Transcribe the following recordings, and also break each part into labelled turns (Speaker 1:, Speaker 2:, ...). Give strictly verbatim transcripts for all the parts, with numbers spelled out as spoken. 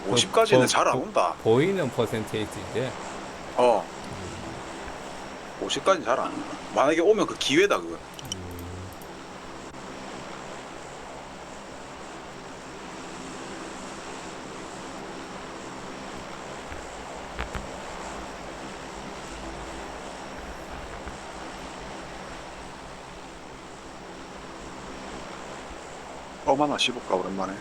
Speaker 1: 그
Speaker 2: 오십까지는
Speaker 1: 보,
Speaker 2: 잘 안
Speaker 1: 보,
Speaker 2: 온다.
Speaker 1: 보이는 퍼센테이지인데.
Speaker 2: 어, 오십까지는 잘 안 온다. 만약에 오면 그 기회다, 그거. 어마나 씹을까, 오랜만에.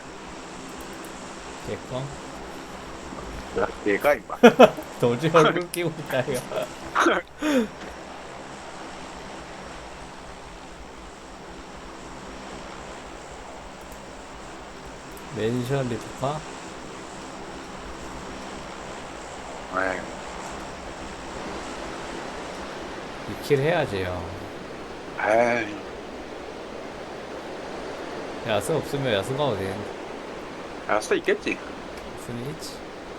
Speaker 1: 개껌.
Speaker 2: 야, 얘가, 임마.
Speaker 1: 도저히 얼굴 끼고 있다 이거. 멘션 리프파.
Speaker 2: 에이,
Speaker 1: 이 킬 해야지요.
Speaker 2: 에이,
Speaker 1: 야스 없으면 야스가 어디
Speaker 2: 알 수도 있겠지.
Speaker 1: 야스는 있지.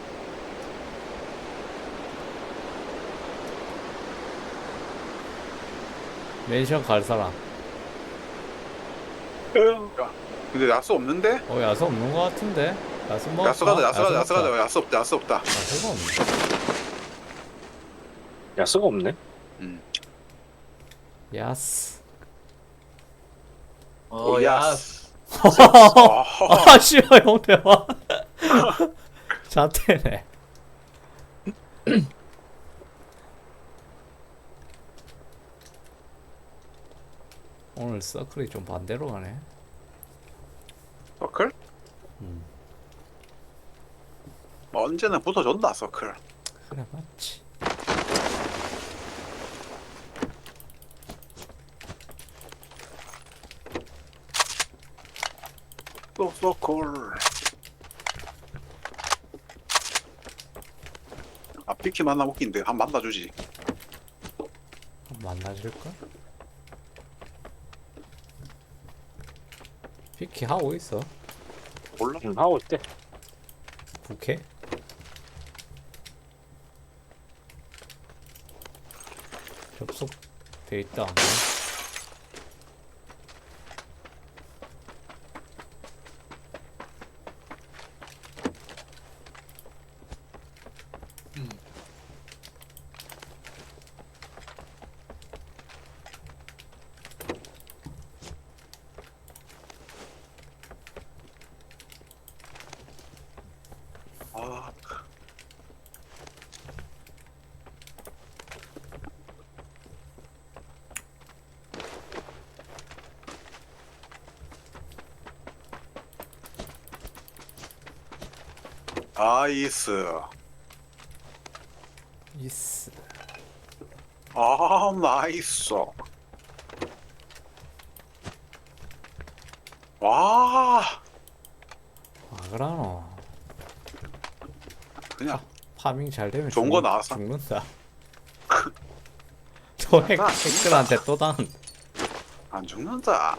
Speaker 1: 멘션 갈 사람.
Speaker 2: 야, 근데 야수 없는데?
Speaker 1: 어 야스 없는 거 같은데. 야스 먹을까?
Speaker 2: 야수 가자, 야수 가자, 야수
Speaker 1: 먹자.
Speaker 2: 가자. 야수 없다, 야수 없다.
Speaker 1: 야스가 없네.
Speaker 3: 야수가 없네.
Speaker 2: 음.
Speaker 1: 야스.
Speaker 2: 오,
Speaker 4: 어, 야,
Speaker 2: 야스. 어,
Speaker 1: 아 씨발 형 대박. 자태네. 오늘 서클이 좀 반대로 가네.
Speaker 2: 서클?
Speaker 1: 음.
Speaker 2: 언제나 붙어준다, 서클.
Speaker 1: 그래 맞지.
Speaker 2: 또 서클. 아, 피키 만나 웃긴데. 한 번 만나주지.
Speaker 1: 만나줄까? 피키 하고 있어.
Speaker 2: 몰라?
Speaker 3: 응, 하고 있대.
Speaker 1: 부캐? 접속 돼 있다.
Speaker 2: 아, 아이스.
Speaker 1: 이스.
Speaker 2: 아, 나이스. 와,
Speaker 1: 아 그러노.
Speaker 2: 그냥
Speaker 1: 파밍 잘 되면
Speaker 2: 좋은
Speaker 1: 죽,
Speaker 2: 거 나왔어.
Speaker 1: 죽는다. 또 핵,
Speaker 2: 아,
Speaker 1: 핵들한테 또 당.
Speaker 2: 안 죽는다.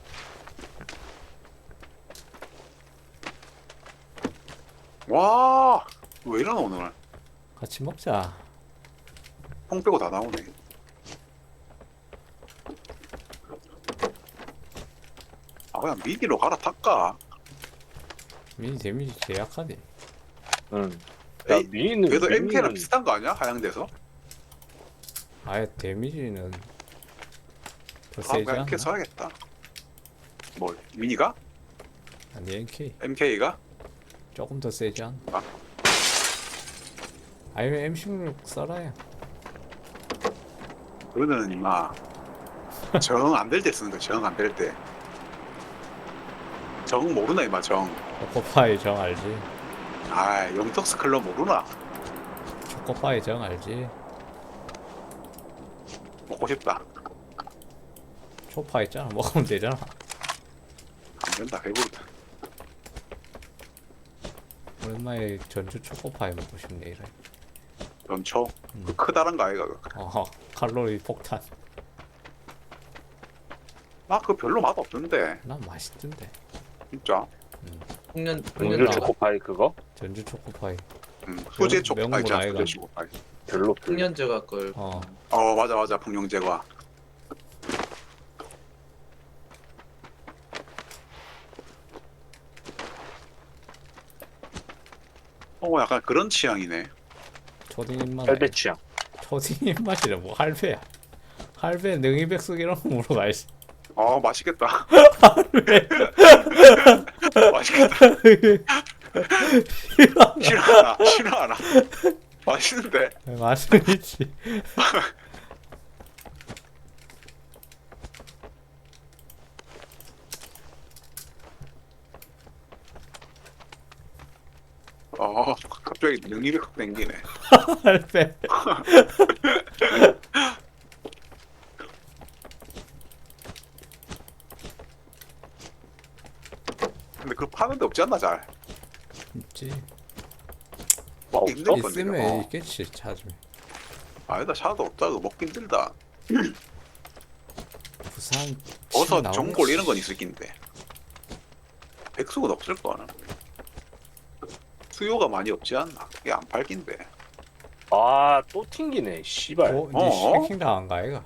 Speaker 2: 와, 왜 이러나 오늘?
Speaker 1: 같이 먹자.
Speaker 2: 콩 빼고 다 나오네. 아, 그냥 미디로 갈아탈까?
Speaker 1: 미니 데미지 제약하대.
Speaker 3: 응. 야,
Speaker 2: 에이,
Speaker 3: 미니는
Speaker 2: 그래도
Speaker 3: 미니는
Speaker 2: 엠케이랑 비슷한 거 아니야? 하향돼서?
Speaker 1: 아예 데미지는 더
Speaker 2: 아,
Speaker 1: 세지
Speaker 2: 그냥
Speaker 1: 않나?
Speaker 2: 엠케이 써야겠다. 뭘? 미니가?
Speaker 1: 아니 엠케이
Speaker 2: 엠케이가?
Speaker 1: 조금 더 세지 않나?
Speaker 2: 아.
Speaker 1: 아니면 엠 십육 써라야.
Speaker 2: 그러면은 임마 정 안 될 때 쓰는 거야. 정 안 될 때. 정 모르나 임마 정.
Speaker 1: 초코파이 정 알지?
Speaker 2: 아, 영턱스 클럽 모르나?
Speaker 1: 초코파이 정 알지?
Speaker 2: 먹고 싶다.
Speaker 1: 초파 있잖아. 먹으면 되잖아.
Speaker 2: 안 된다. 배부르다.
Speaker 1: 오랜만에 전주 초코파이 먹고 싶네 이래.
Speaker 2: 연초?
Speaker 1: 음.
Speaker 2: 그 크다란 거 아이가? 그거.
Speaker 1: 어허 칼로리 폭탄.
Speaker 2: 나 그거 별로 맛 없던데.
Speaker 1: 난 맛있던데.
Speaker 2: 진짜.
Speaker 4: 풍년,
Speaker 3: 공주
Speaker 4: 풍년
Speaker 1: 나와.
Speaker 3: 초코파이 그거
Speaker 1: 전주 초코파이.
Speaker 2: 음, 수제
Speaker 1: 명-
Speaker 2: 초코파이
Speaker 1: 명물
Speaker 2: 있잖아.
Speaker 1: 아이가.
Speaker 2: 수제 초코파이.
Speaker 3: 별로 별로.
Speaker 4: 풍년제가 걸.
Speaker 1: 어.
Speaker 2: 어, 맞아 맞아. 풍룡제과. 어 약간 그런 취향이네.
Speaker 1: 초딩 입맛.
Speaker 3: 혈배 취향.
Speaker 1: 초딩 입맛이래 뭐 할배야. 할배 능이백숙 이런 거 물어봐야지.
Speaker 2: 아 맛있겠다.
Speaker 1: 할배.
Speaker 2: 맛있겠다. 싫어하나 싫어하나. 맛있는데.
Speaker 1: 맛은 있지.
Speaker 2: 어 갑자기 능이를 확 땡기네.
Speaker 1: 할배.
Speaker 2: 근데 그거 파는 데 없지 않나 잘.
Speaker 1: 있지.
Speaker 3: 와,
Speaker 2: 먹기 힘들
Speaker 3: 없어?
Speaker 2: 건데.
Speaker 1: 있으면
Speaker 2: 어.
Speaker 1: 있겠지 찾으면.
Speaker 2: 아니다 차도 없다. 그거 먹기 힘들다.
Speaker 1: 부산
Speaker 2: 버섯,
Speaker 1: 나오겠지.
Speaker 2: 전골 이런 건 있을 낀데. 백숙은 없을 거나. 수요가 많이 없지 않나. 이게 안 팔긴데.
Speaker 3: 아, 또 튕기네. 씨발.
Speaker 1: 어?
Speaker 2: 어?
Speaker 1: 니 해킹 당한가 이가?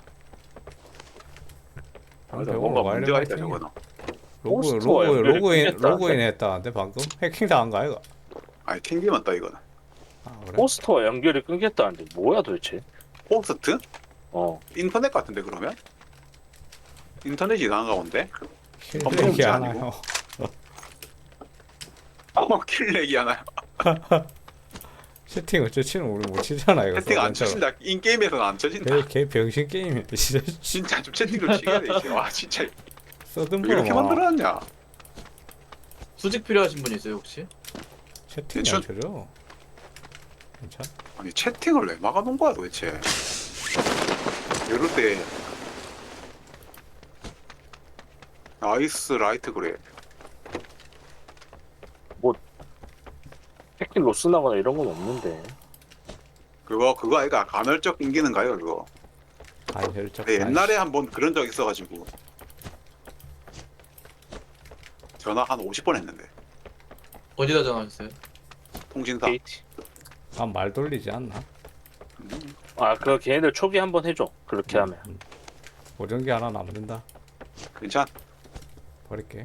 Speaker 2: 맞아, 뭔가 문제가 있다 저거는.
Speaker 1: 로그
Speaker 3: 포스터
Speaker 1: 로그
Speaker 3: 연결이
Speaker 1: 로그인
Speaker 3: 끊겼다는데?
Speaker 1: 로그인 했다는데 방금 해킹 당한가 이가?
Speaker 2: 아니 튕기면 따 이거는.
Speaker 1: 아 그래?
Speaker 3: 포스터와 연결이 끊겼다는데 뭐야 도대체?
Speaker 2: 포스트?
Speaker 3: 어.
Speaker 2: 인터넷 같은데 그러면? 인터넷이 이상한가 본데?
Speaker 1: 킬렉이
Speaker 2: 문제
Speaker 1: 하나요?
Speaker 2: 어 킬렉이 하나요?
Speaker 1: 채팅 어쩌지는 우리 못 치잖아 이거.
Speaker 2: 채팅 안
Speaker 1: 서버처럼.
Speaker 2: 쳐진다. 인게임에서는 안 쳐진다.
Speaker 1: 걔, 걔 병신 게임이야 진짜.
Speaker 2: 진짜 좀 채팅 좀 치게 돼 이제. 와 진짜 왜
Speaker 1: 서든블
Speaker 2: 이렇게
Speaker 1: 막
Speaker 2: 만들어놨냐?
Speaker 4: 수직 필요하신 분 있어요 혹시?
Speaker 1: 채팅이
Speaker 2: 대충-
Speaker 1: 안 쳐져. 괜찮아?
Speaker 2: 아니 채팅을 왜 막아놓은 거야 도대체? 이럴 때 나이스 라이트 그래.
Speaker 3: 해킹 로스 나거나 이런 건 없는데.
Speaker 2: 그거 그거 아이가 간헐적 인기는 가요 그거.
Speaker 1: 아니 혈적.
Speaker 2: 근데 옛날에 한번 그런 적 있어가지고 전화 한 오십 번 했는데
Speaker 4: 어디다 전화하셨어요?
Speaker 2: 통신사.
Speaker 3: 케이티.
Speaker 1: 아말 돌리지 않나?
Speaker 2: 음,
Speaker 3: 아, 그거 걔네들 초기 한번 해줘. 그렇게 하면.
Speaker 1: 음. 보정기 하나 남는다.
Speaker 2: 괜찮.
Speaker 1: 버릴게.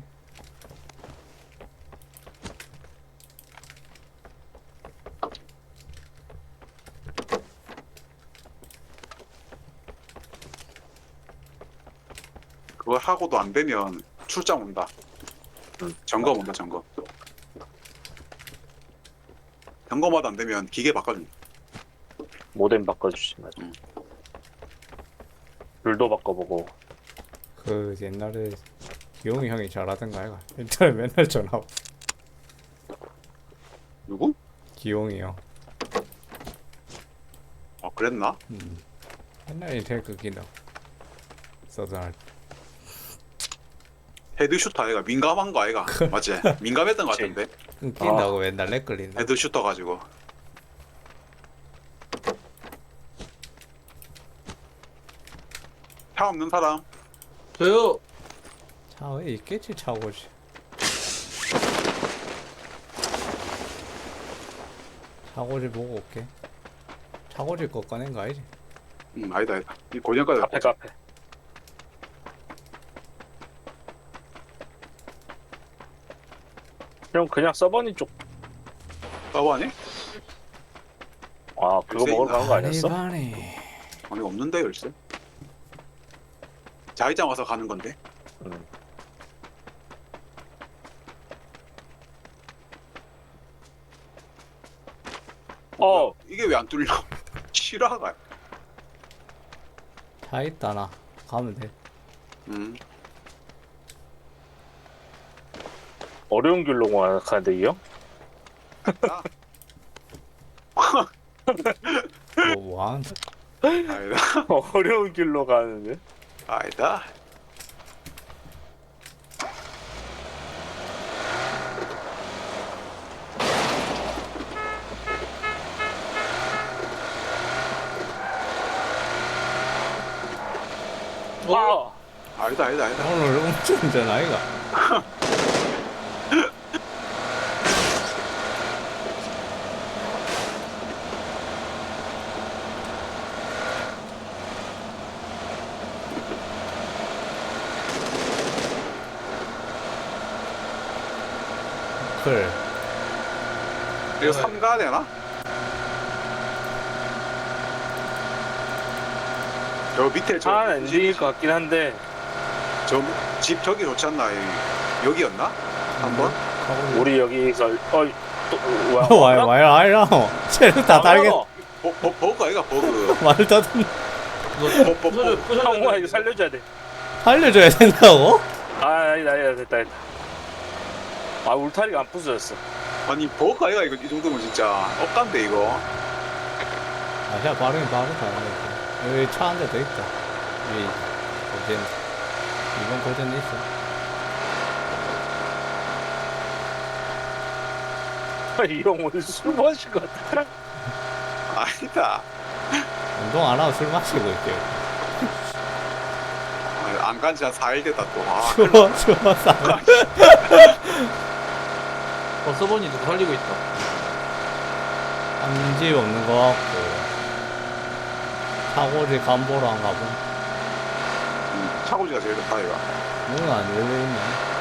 Speaker 2: 그걸 하고도 안 되면 출장 온다.
Speaker 3: 응.
Speaker 2: 점검 온다 점검. 점검마다 안 되면 기계 바꿔준다.
Speaker 3: 모뎀 바꿔주지 맞아.
Speaker 2: 음.
Speaker 3: 불도 바꿔보고.
Speaker 1: 그 옛날에 기용이 형이 잘하던가 아이가. 인터넷 맨날 전화. 오고.
Speaker 2: 누구?
Speaker 1: 기용이 형.
Speaker 2: 어 그랬나?
Speaker 1: 음. 옛날 인터넷 끊긴다. 서든 할 때.
Speaker 2: 헤드슈터 아이가 민감한 거 아이가 맞지? 민감했던 거
Speaker 3: 그치.
Speaker 2: 같은데
Speaker 1: 끊긴다고 맨날 렉 걸린다.
Speaker 2: 헤드슈터 가지고. 차 없는 사람?
Speaker 4: 저요.
Speaker 1: 차에 있겠지 차고지. 차고지 보고 올게. 차고지 거 꺼낸 거 아니지?
Speaker 2: 음 아니다 아니다. 이 고정까지
Speaker 3: 카페 카페. 그럼 그냥 서버니 쪽.
Speaker 2: 서버 아니?
Speaker 3: 아, 그거
Speaker 2: 글쎄,
Speaker 3: 먹으러 가는 거 아니었어?
Speaker 1: 바니.
Speaker 2: 아니 없는데 열쇠. 자이장 와서 가는 건데.
Speaker 3: 응. 어,
Speaker 2: 이게 왜 안 뚫려? 실화가.
Speaker 1: 차 있다 나. 가면 돼.
Speaker 2: 음.
Speaker 3: 어려운 길로 가는데 이 형?
Speaker 2: 아,
Speaker 1: 뭐 뭐한?
Speaker 2: 아니다.
Speaker 3: 어려운 길로 가는데?
Speaker 2: 아니다.
Speaker 3: 와!
Speaker 2: 아니다 아니다 아니다.
Speaker 1: 오늘 음주운전 아이가? 클.
Speaker 2: 이거 삼 가야 되나? 저 밑에 저
Speaker 3: 아, 안 되길 것 같긴 한데.
Speaker 2: 저 집 저기 좋지 않나? 이- 여기였나? 한번?
Speaker 3: 우리 여기서, 어이, 또, 와,
Speaker 1: 와이 와이 와이라 쟤는 다 달게
Speaker 2: 버, 버, 버그 아이가 버그.
Speaker 1: 말을 다 듣는
Speaker 4: 이거
Speaker 2: 버, 버,
Speaker 4: 부셔줘,
Speaker 2: 버.
Speaker 4: 부셔줘.
Speaker 3: 형아, 이거 살려줘야 돼.
Speaker 1: 살려줘야 된다고?
Speaker 3: 아, 아니다, 아니다, 됐다, 됐다. 아, 울타리가 안 부서졌어.
Speaker 2: 아니 버그 아이가 이거 이 정도면 진짜 억간데 이거.
Speaker 1: 아 그냥 빠르긴 빠르다 여기 차 한 대 더 있다 여기 고젠 이번 고젠 있어
Speaker 3: 이 형 오늘 술 마신 것 같아.
Speaker 2: 아니다.
Speaker 1: 운동 안 하고 술 마시고 있대요
Speaker 2: 안 간 지 한 사 일 됐다 또. 아,
Speaker 1: 추워 추워 싸
Speaker 4: 어, 서버니 누구 살리고 있다.
Speaker 1: 한집 없는 거 같고 차고지 간보러 안 가본
Speaker 2: 음, 차고지가 제일 좋다 이거.
Speaker 1: 문은 안 열려있네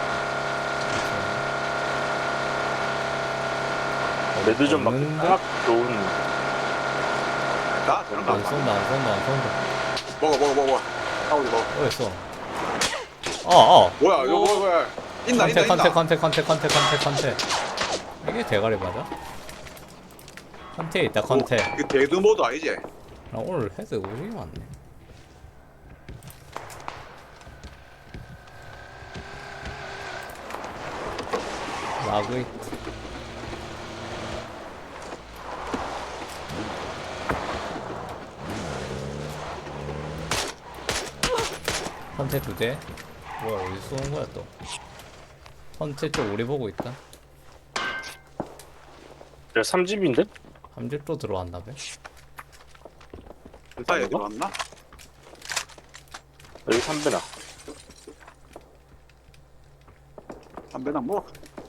Speaker 3: 매드점 맞기
Speaker 1: 없는데?
Speaker 3: 딱 좋은.
Speaker 2: 나 저런
Speaker 1: 안
Speaker 2: 거
Speaker 1: 쏜다 안 쏜다 안 쏜다
Speaker 2: 먹어 먹어 먹어. 차고지 먹어.
Speaker 1: 어딨어 어어
Speaker 2: 뭐야 이거 뭐야 뭐야. 있나 있나
Speaker 1: 컨테
Speaker 2: 있나.
Speaker 1: 컨테 컨테 컨테 컨테 컨테 이게 대가리 맞아? 컨테 있다 컨테
Speaker 2: 어, 이거 데드 모드 아니지?
Speaker 1: 나 오늘 헤드 오지게 많네 라그 있 컨테 두대 뭐야 어디서 쏘는 거야 또 컨테 쪽 우리 보고 있다
Speaker 3: 야, 삼집인데?
Speaker 1: 함집 또 들어왔나 봐
Speaker 2: 사이에 들어왔나?
Speaker 3: 여기 삼배나.
Speaker 2: 담배나 뭐?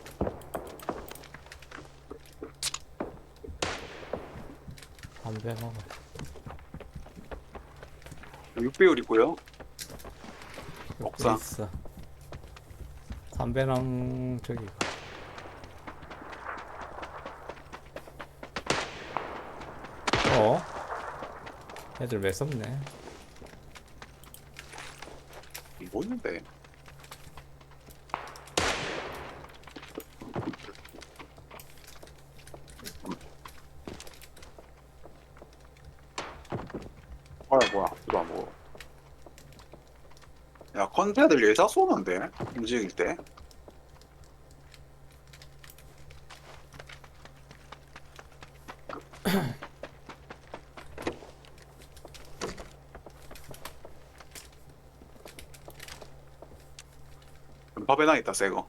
Speaker 1: 담배 먹어
Speaker 2: 육 배율 있고요.
Speaker 1: 여기
Speaker 2: 옥상.
Speaker 1: 있어 담배랑 저기 어? 애들 매섭네
Speaker 2: 뭐 있는데? 뭐야 뭐야 이거 안 먹어. 야 컨테들 예사 쏘는데 움직일 때. 밥에나 있다 새거.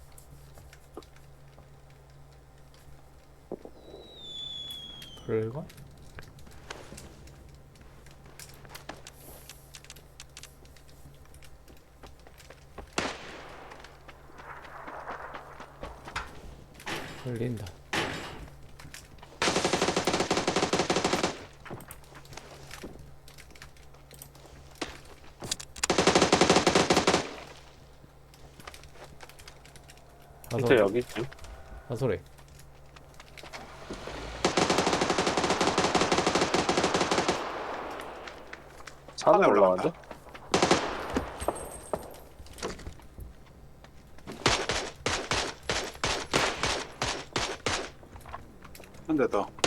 Speaker 1: 그럴걸? 흘린다
Speaker 3: 밑에 여기 있지.
Speaker 1: 사소리
Speaker 3: 산에
Speaker 2: 산에
Speaker 3: 올라가는데?
Speaker 2: 한 대 더.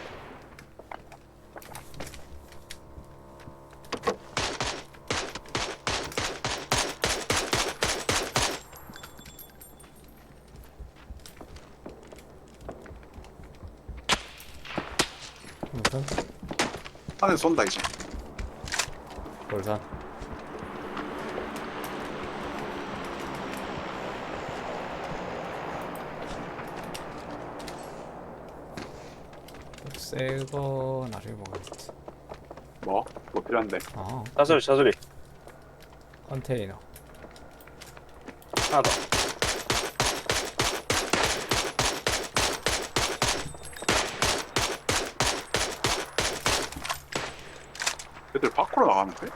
Speaker 1: 무슨?
Speaker 2: 안에 쏜다 이제.
Speaker 1: 볼산 새거 나중에 먹어야겠지
Speaker 2: 뭐? 뭐 필요한데?
Speaker 1: 아
Speaker 3: 차소리, 차소리.
Speaker 1: 컨테이너
Speaker 3: 하나 더.
Speaker 2: 애들 밖으로 나가는데?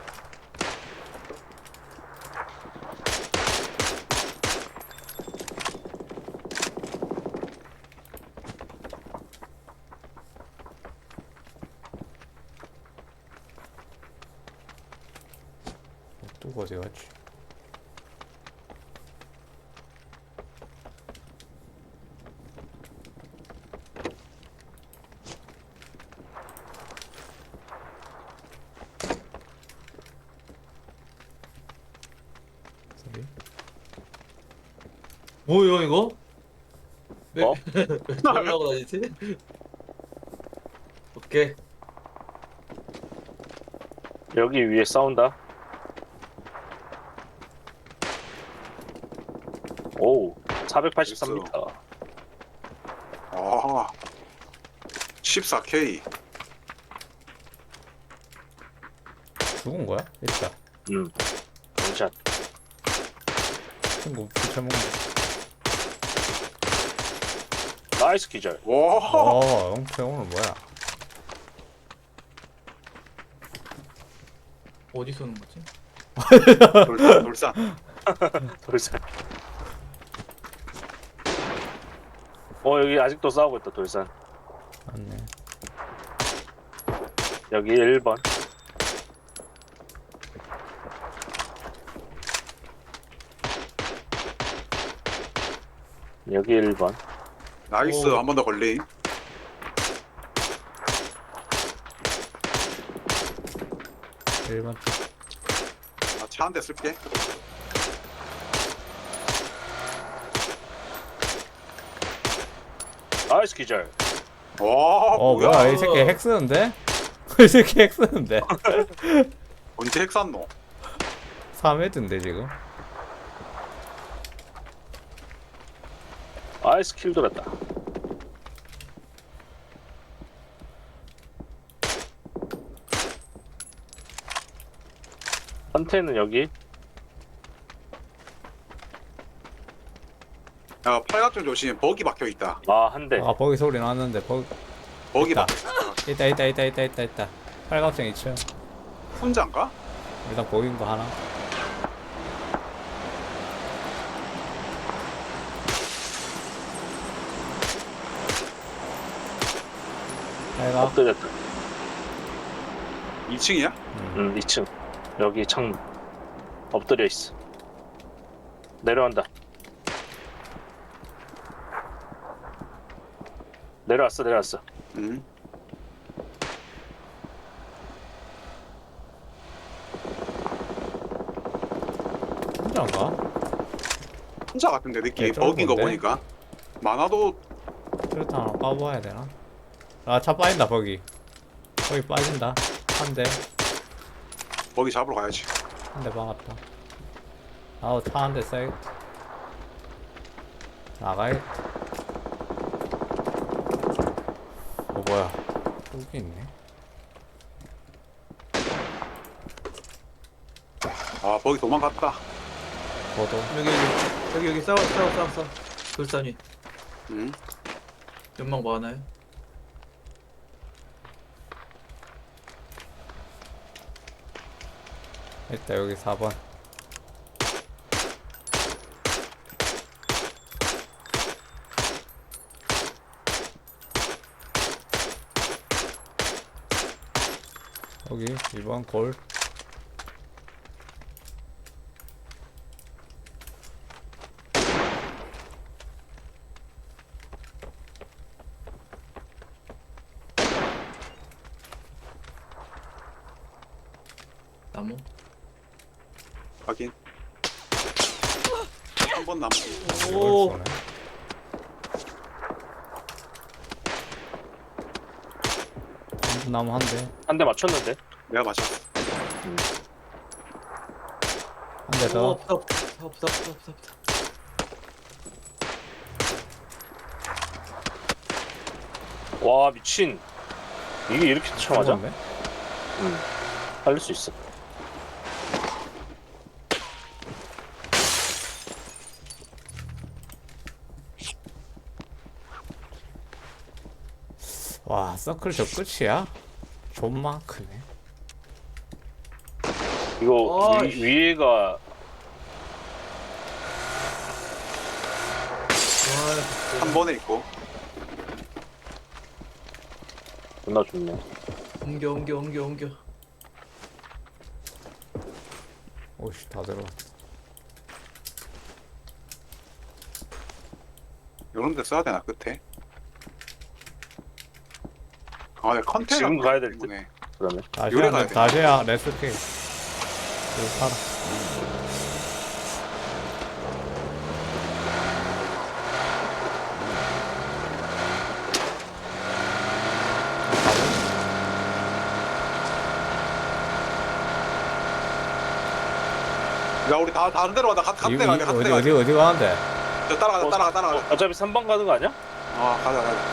Speaker 1: 누구 어디 갔지? 소리?
Speaker 4: 뭐야 이거? 왜?
Speaker 3: 어?
Speaker 4: 왜 저러려고 다니지? 오케이.
Speaker 3: 여기 위에 싸운다. 오, 사백팔십삼 미터.
Speaker 2: 아 십사 케이.
Speaker 1: 죽은 거야? 있다.
Speaker 3: 음, 원샷.
Speaker 1: 친구 붙여먹는
Speaker 3: 나이스 기절.
Speaker 1: 거.
Speaker 2: 와
Speaker 1: 어, 영태 오늘 뭐야?
Speaker 4: 어디 쏘는 거지?
Speaker 2: 돌산 돌산.
Speaker 3: 돌산. 어, 여기 아직도 싸우고 있다, 돌산.
Speaker 1: 맞네.
Speaker 3: 여기 일 번. 여기 일 번.
Speaker 2: 나이스.
Speaker 4: 오.
Speaker 2: 한 번 더 걸림.
Speaker 1: 일반
Speaker 2: 나 차 한 대 쓸게.
Speaker 3: 나이스 기절.
Speaker 2: 와
Speaker 1: 어
Speaker 2: 뭐야?
Speaker 1: 뭐야 이 새끼 핵 쓰는데? 이 새끼 핵 쓰는데?
Speaker 2: 언제 핵 샀노?
Speaker 1: 삼 회든데 지금?
Speaker 3: 나이스 킬 돌았다. 컨테이는 여기.
Speaker 2: 야 팔각정 조심. 버기 박혀 있다.
Speaker 3: 아, 한 대.
Speaker 1: 아 버기 소리 났는데 버기
Speaker 2: 버기
Speaker 1: 있다.
Speaker 2: 박혀.
Speaker 1: 있다 있다 있다 있다 있다 있다 팔각정 이 층
Speaker 2: 혼자인가?
Speaker 1: 일단 보인 거 하나 팔각
Speaker 3: 엎드렸다.
Speaker 2: 이 층이야?
Speaker 1: 음.
Speaker 3: 음, 이 층. 여기 창문. 엎드려 있어. 내려온다. 내려왔어, 내려왔어.
Speaker 2: 응.
Speaker 1: 혼자인가?
Speaker 2: 혼자 같은데 느낌이
Speaker 1: 네, 좀
Speaker 2: 버기인 거
Speaker 1: 뭔데?
Speaker 2: 보니까. 많아도
Speaker 1: 트루탄 하나 까봐야 되나? 아 차 빠진다 버기 버기 빠진다 한대
Speaker 2: 버기 잡으러 가야지.
Speaker 1: 한 대 박았다 아우 차 한 대 쏴야겠다 나가야겠다 어 뭐야 여기 있네
Speaker 2: 아 버기 도망갔다.
Speaker 1: 저도
Speaker 4: 여기 여기 여기 여기 싸워 싸워 싸워 싸워. 돌산 위.
Speaker 2: 응.
Speaker 4: 연막 많아요?
Speaker 1: 일단 여기 사 번 여기 이 번 골
Speaker 4: 나무?
Speaker 2: 확인. 한 번 남았.
Speaker 1: 이걸
Speaker 4: 오.
Speaker 1: 쏘네 전부 나무 한대
Speaker 3: 한 대 맞췄는데?
Speaker 2: 내가 맞췄어.
Speaker 1: 한 대 더
Speaker 4: 없다 없다 없다 없다 없다 없다.
Speaker 3: 와, 미친. 이게 이렇게 쳐맞아?
Speaker 1: 죽었네?
Speaker 3: 응. 살릴 수 있어.
Speaker 1: 와 서클 저 끝이야? 존만 크네
Speaker 3: 이거
Speaker 4: 아,
Speaker 3: 위,
Speaker 4: 씨.
Speaker 3: 위에가
Speaker 4: 와,
Speaker 2: 한 번에 있고.
Speaker 3: 존나 좋네.
Speaker 4: 옮겨 옮겨 옮겨 옮겨.
Speaker 1: 오씨 다 들어.
Speaker 2: 요런 데 써야 되나 끝에? 아, 내 컨테이너
Speaker 3: 지금 가야 될 듯.
Speaker 2: 때문에.
Speaker 3: 그러면
Speaker 1: 다시
Speaker 2: 요래
Speaker 1: 한
Speaker 2: 가야 돼.
Speaker 1: 다시야 레스케. 이거 살아.
Speaker 2: 야, 우리 다 다른 데로 가자. 같은
Speaker 1: 이-
Speaker 2: 데
Speaker 1: 이-
Speaker 2: 가자. 같은
Speaker 1: 어디
Speaker 2: 데
Speaker 1: 어디
Speaker 2: 가자.
Speaker 1: 어디 가는데?
Speaker 2: 저 따라가자.
Speaker 3: 어,
Speaker 2: 따라가. 따라가자.
Speaker 3: 어차피 삼 번 가는 거 아니야?
Speaker 2: 아, 가자. 가자.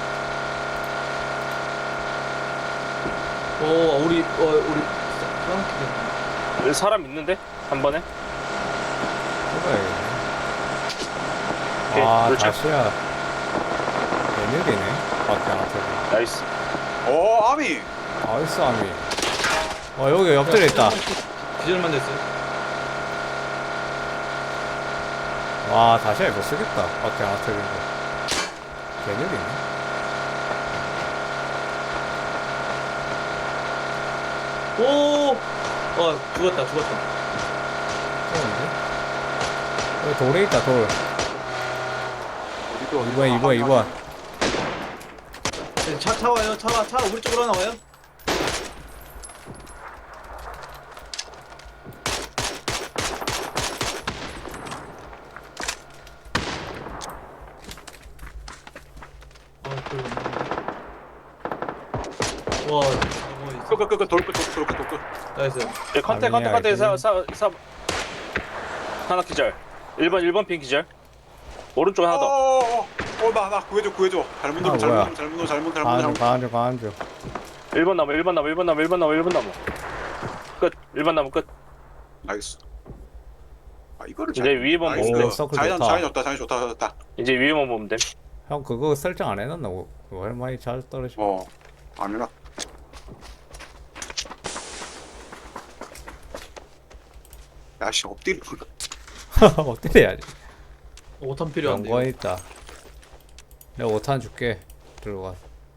Speaker 4: 오 우리 어 우리 싸움기네.
Speaker 3: 여기 사람 있는데? 한 번에?
Speaker 1: 해봐야겠네.
Speaker 3: 오케이,
Speaker 1: 아
Speaker 3: 그렇죠.
Speaker 1: 다시야. 웬일이네. 밖에 안 터지.
Speaker 3: 나이스.
Speaker 2: 오, 아미.
Speaker 1: 아이스 아미. 어 여기 옆들에 있다.
Speaker 4: 기절만 됐어요.
Speaker 1: 와 다시야 이거 쓰겠다. 밖에 안 터진 거. 웬일이네.
Speaker 4: 오. 어 죽었다 죽었다.
Speaker 1: 좋은데? 여기 돌에 있다 돌.
Speaker 2: 어디도 어디도.
Speaker 1: 이번 이번
Speaker 2: 아,
Speaker 1: 이번.
Speaker 4: 네, 차, 차 와요. 차, 차 우리 쪽으로 하나 와요. 아, 그 와, 어,
Speaker 2: 끄, 끄, 끄, 끄, 돌, 끝, 돌, 끝, 돌, 끝.
Speaker 4: 나이스.
Speaker 3: 예, 컨테 컨테
Speaker 1: 아니야,
Speaker 3: 컨테
Speaker 1: 이게.
Speaker 3: 사, 사, 사 하나 기절. 일 번 일 번 핀 기절. 오른쪽 하나 더.
Speaker 2: 어, 어, 어, 나, 나 구해줘, 구해줘. 잘못
Speaker 1: 아,
Speaker 2: 누르, 잘못
Speaker 1: 뭐야.
Speaker 2: 누르, 잘못 누르, 잘못, 잘못,
Speaker 1: 가안줘
Speaker 2: 잘못.
Speaker 1: 가안줘 가안줘.
Speaker 3: 일 번 나무 일 번 나무 일 번 나무 일 번 나무 일 번 나무. 끝. 일 번 나무 끝.
Speaker 2: 나이스. 아, 이거를
Speaker 3: 이제
Speaker 2: 잘.
Speaker 3: 위에 보면
Speaker 2: 나이스.
Speaker 1: 오, 서클
Speaker 2: 자연,
Speaker 1: 좋다.
Speaker 2: 자연 좋다, 자연 좋다, 좋다.
Speaker 3: 이제 위에만 보면 돼.
Speaker 1: 형 그거 설정 안 해놨나? 뭐, 얼마나 잘 떨어져.
Speaker 2: 어, 아니라. 야, 씨, 엎드려.
Speaker 1: 어떻게 해야지?
Speaker 4: 오탄 필요한데.
Speaker 1: 연관 있다. 내가 오탄 줄게. 들어가.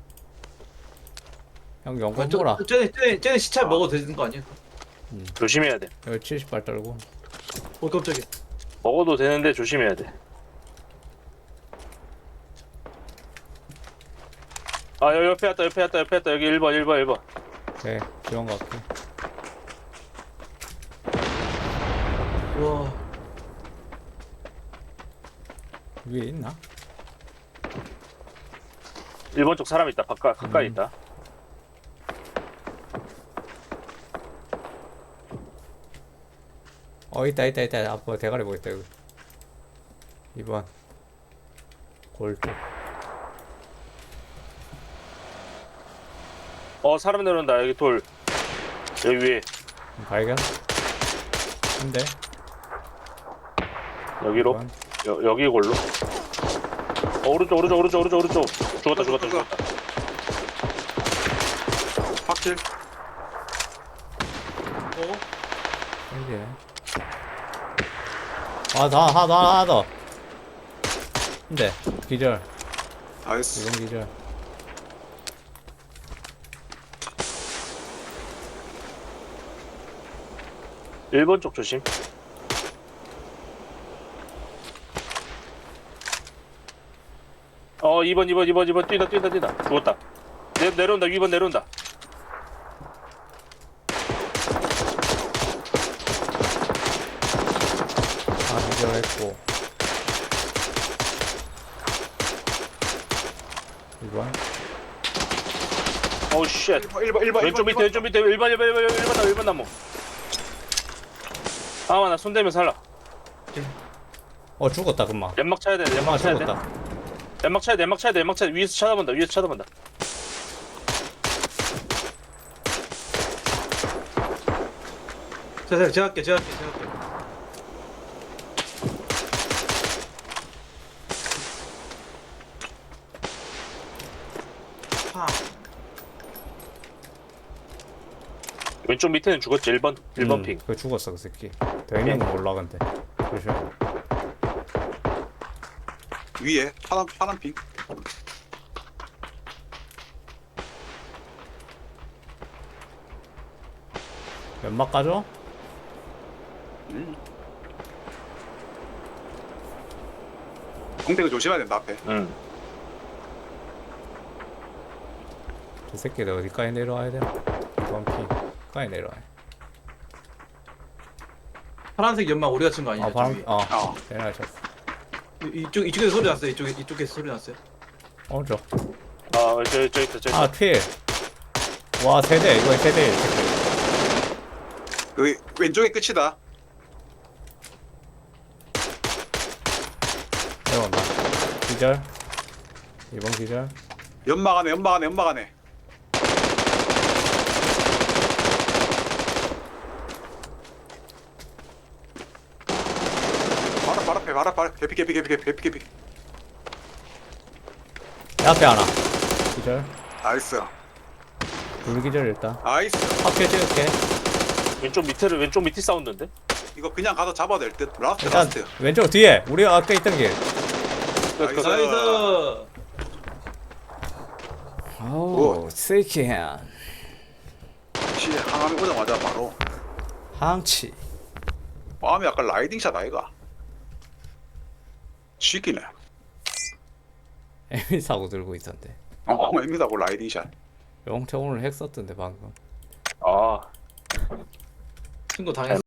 Speaker 1: 형 연관 뭐라?
Speaker 4: 쟤네 쟤네 쟤네 시차
Speaker 2: 아.
Speaker 4: 먹어도 되는 거 아니야?
Speaker 3: 조심해야 돼.
Speaker 1: 여기 칠십 발 떨고.
Speaker 4: 어 깜짝이야.
Speaker 3: 먹어도 되는데 조심해야 돼. 아 여기 옆에 왔다 옆에 왔다 옆에 왔다 여기 일 번 일 번 일 번.
Speaker 1: 오케이 지원 갈게.
Speaker 4: 와.
Speaker 1: 위에 있나?
Speaker 3: 일 번 쪽 사람 있다. 가까, 가까이
Speaker 1: 음.
Speaker 3: 있다.
Speaker 1: 어 있다 있다 있다. 앞으로 대가리 보겠다 여기. 이 번. 골 쪽.
Speaker 3: 어 사람 내려온다. 여기 돌. 여기 위에.
Speaker 1: 발견. 한 대.
Speaker 3: 여기로.
Speaker 1: 번.
Speaker 3: 여, 여기 골로. 어, 오른쪽 오른쪽 오른쪽 오른쪽 오른쪽. 죽었다 죽었다 죽었다.
Speaker 2: 확실.
Speaker 4: 어?
Speaker 1: 생기네. 아, 다, 하나, 더, 하나 더. 근데, 기절.
Speaker 2: 나이스.
Speaker 1: 이건 기절.
Speaker 3: 일 번 쪽 조심. 어 이 번 이 번 이 번 이 번 뛰다 뛰다 뛰다. 죽었다. 내, 내려온다 이 번 내려온다.
Speaker 1: 하나 기절했고. 이번.
Speaker 3: 어우 쉣.
Speaker 2: 일 번, 일 번, 일 번.
Speaker 3: 왼쪽 밑에 왼쪽 밑에 일 번 일 번 일 번 일 번 나무 일 번 나무. 아마 나 손대면 살라.
Speaker 1: 어, 죽었다, 금방.
Speaker 3: 연막 차야 돼
Speaker 1: 아,
Speaker 3: 연막 차야 돼.
Speaker 1: 죽었다.
Speaker 3: 연막 차야 돼 연막 차야 돼 연막 차야 돼. 위에서 쳐다본다 위에서 쳐다본다.
Speaker 4: 자, 자, 제가 할게, 제가 할게, 제가 할게. 파.
Speaker 3: 왼쪽 밑에는 죽었지 일 번 일 번
Speaker 1: 음,
Speaker 3: 핑.
Speaker 1: 그거 죽었어, 그 새끼. 되면 몰라, 근데. 조심.
Speaker 2: 위에 파란, 파란 핑.
Speaker 1: 연막 까줘?
Speaker 2: 음. 공대가 조심해야 된다 앞에.
Speaker 3: 응.
Speaker 1: 저 새끼들 어디까지 내려와야 되나? 원피까지 내려와야.
Speaker 4: 파란색 연막 우리가 친 거 아니야?
Speaker 1: 아 바람
Speaker 4: 저기.
Speaker 1: 어
Speaker 2: 어.
Speaker 1: 내려가셨어.
Speaker 4: 이- 이쪽 이쪽에서 소리 났어요. 이쪽에 이쪽에서 소리 났어요.
Speaker 1: 오른쪽.
Speaker 3: 아 저기 저기 있다 저기 있다.
Speaker 1: 아 필. 와 세대 이거 세대.
Speaker 2: 그 왼쪽이 끝이다.
Speaker 1: 내려온다. 기절. 이번 기절.
Speaker 2: 연막 안에 연막 안에 연막 안에. 바로 바로 앞에 바로 앞에 개피 개피 개피 개피 개피 개피.
Speaker 1: 내 앞에 하나. 기절.
Speaker 2: 나이스.
Speaker 1: 둘 기절 일단.
Speaker 2: 나이스.
Speaker 1: 합계 찍을게.
Speaker 3: 왼쪽 밑에를 왼쪽 밑에 사운드인데?
Speaker 2: 이거 그냥 가서 잡아도 될 듯. 라스트
Speaker 1: 일단
Speaker 2: 라스트.
Speaker 1: 왼쪽 뒤에 우리 아까 있던 길.
Speaker 2: 나이스.
Speaker 4: 나이스.
Speaker 1: 오 세이키한
Speaker 2: 시 항암이 오자마자 바로.
Speaker 1: 항치.
Speaker 2: 마음이 약간 라이딩샷 아이가. 쉬기네.
Speaker 1: 에미 사고 들고 있었는데.
Speaker 2: 어, 애미다고 라이딩샷.
Speaker 1: 영태 오늘 핵 썼던데 방금.
Speaker 3: 아
Speaker 4: 친구 당했어.